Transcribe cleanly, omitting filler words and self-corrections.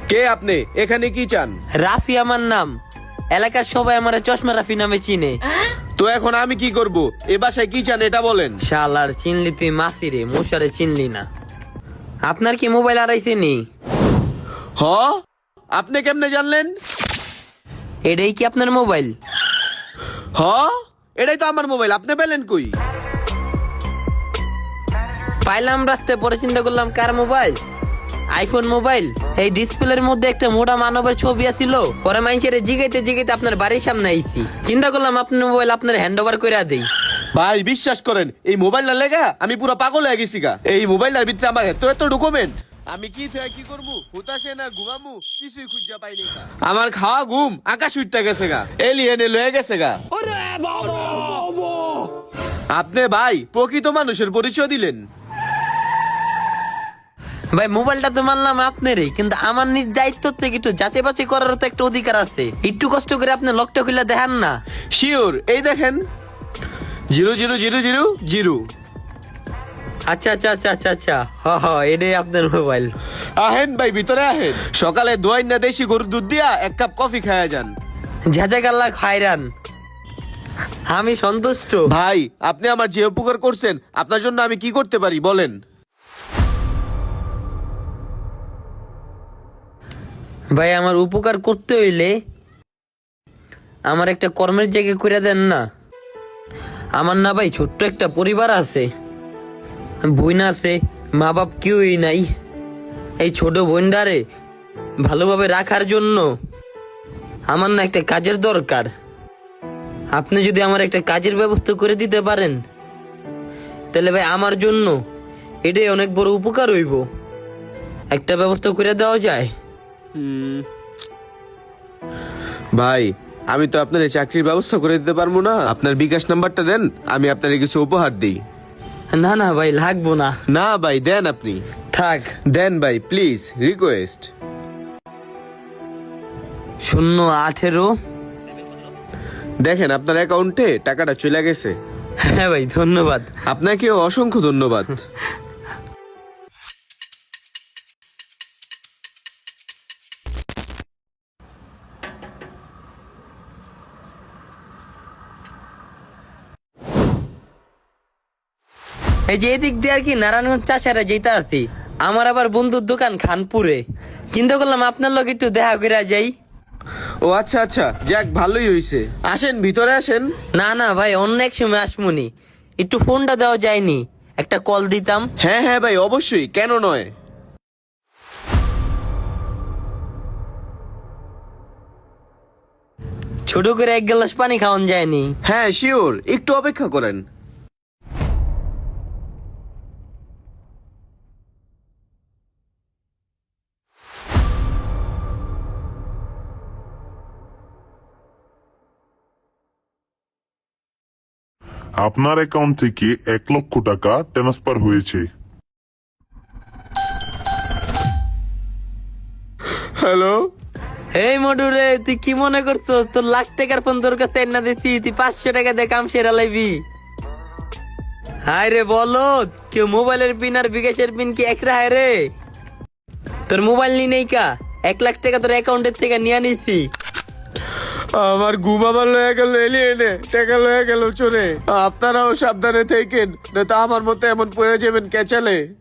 কে আপনি? এখানে কি চান? রাফি আমার নাম। এলাকার সবাই আমার চশমা রাফি নামে চিনে। তো এখন আমি কি করব? এ বাসায় কি চান এটা বলেন। শালার চিনলি তুই মাফি রে, মশারে চিনলি না। আপনার কি মোবাইল হারাইছে নি? হ, আপনি কেমনে জানলেন? এটাই কি আপনার মোবাইল? হ, এটাই তো আমার মোবাইল। আপনি পেলেন কই? পাইলাম রাস্তায়, পরে চিন্তা করলাম কার মোবাইল, আইফোন মোবাইল। এই ডিসপ্লের মধ্যে একটা মোটা মানবের ছবি আছিল। পরে মানুষের জিগাইতে জিগাইতে আপনার বাড়ির সামনে আইছি। চিন্তা করলাম আপনার মোবাইল আপনার হ্যান্ড ওভার করে দেই। ভাই বিশ্বাস করেন, এই মোবাইলটা লেগা আমি পুরো পাগল হয়ে গেছি গা। এই মোবাইলটার ভিতরে আমার এত এত ডকুমেন্ট, আমি কি থেকে কি করবো, হুতাশে না ঘুমামু, কিছুই খুঁজা পাইনি। আমার খাওয়া ঘুম আকাশ উঠতে গেছে গা, এলিয়েনে লয়ে গেছে গা। আপনি ভাই প্রকৃত মানুষের পরিচয় দিলেন। ভাই মোবাইলটা তো মানলাম আপনারই, কিন্তু আমার নিজ দায়িত্ব থেকে একটু যাচাই বাছাই করারও তো একটা অধিকার আছে। একটু কষ্ট করে আপনি লকটা খুলে দেখান না। শিওর, এই দেখেন 000000। আচ্ছা আচ্ছা আচ্ছা আচ্ছা আচ্ছা, এটাই আপনার মোবাইল। আহেন ভাই ভিতরে আহেন। সকালে দোয়াই না দেশি গরুর দুধ দিয়া এক কাপ কফি খায়া যান। ঝাঁঝাকাল্লা খায়রান, আমি সন্তুষ্ট। ভাই আপনি আমার যে উপকার করছেন, আপনার জন্য আমি কি করতে পারি বলেন। ভাই আমার উপকার করতে হইলে আমার একটা কর্মের জায়গা করে দেন না। আমার না ভাই ছোট্ট একটা পরিবার আছে, বোন আছে, মা বাপ কেউই নাই। এই ছোট বোনটারে ভালোভাবে রাখার জন্য আমার না একটা কাজের দরকার। আপনি যদি আমার একটা কাজের ব্যবস্থা করে দিতে পারেন, তাহলে ভাই আমার জন্য এটাই অনেক বড় উপকার হইব। একটা ব্যবস্থা করে দেওয়া যায়? ভাই আমি তো আপনার এই চাকরির ব্যবস্থা করে দিতে পারবো না। আপনার বিকাশ নাম্বারটা দেন, আমি আপনার কিছু উপহার দিই। না না ভাই লাগবো না। না ভাই দেন, আপনি থাক। দেন ভাই প্লিজ, রিকোয়েস্ট। 018। দেখেন আপনার অ্যাকাউন্টে টাকাটা চলে গেছে। হ্যাঁ ভাই ধন্যবাদ। আপনাকে অসংখ্য ধন্যবাদ। এই যে এদিক দিয়ে আর কি নারায়ণগঞ্জ চাষারা যেতে আছি। আমার আবার বন্ধুর দোকান খানপুরে। চিন্তা করলাম আপনার লোক একটু দেখা করে যাই। ও আচ্ছা আচ্ছা, যাক ভালোই হইছে। আসেন ভিতরে আসেন। না না ভাই অন্য এক সময় আসমুনি, একটু ফোনটা দেওয়া যায়নি, একটা কল দিতাম। হ্যাঁ হ্যাঁ ভাই অবশ্যই, কেন নয়। ছোট করে এক গ্লাস পানি খাওয়ান যায়নি? হ্যাঁ শিওর, একটু অপেক্ষা করেন। আপনার অ্যাকাউন্ট থেকে 1,00,000 টাকা ট্রান্সফার হয়েছে। হ্যালো। এই মডু রে, তুই কি মনে করছো তোর লাখ টাকার ফোন তোর কাছে না দিছি, তুই 500 টাকা দিয়ে কাম সেরা লাইবি? হায় রে বলো, কেউ মোবাইলের পিন আর বিকাশের পিন কি এক রায় রে? তোর মোবাইল নি নেই কা, 1,00,000 টাকা তোর অ্যাকাউন্টের থেকে নিয়ে নিছি। আমার ঘুম আবার লয়ে গেল, এলিয়েনে টাকা লয়ে গেল চোরে। আপনারাও সাবধানে থাকেন, না তো আমার মতো এমন পড়ে যাবেন ক্যাচালে।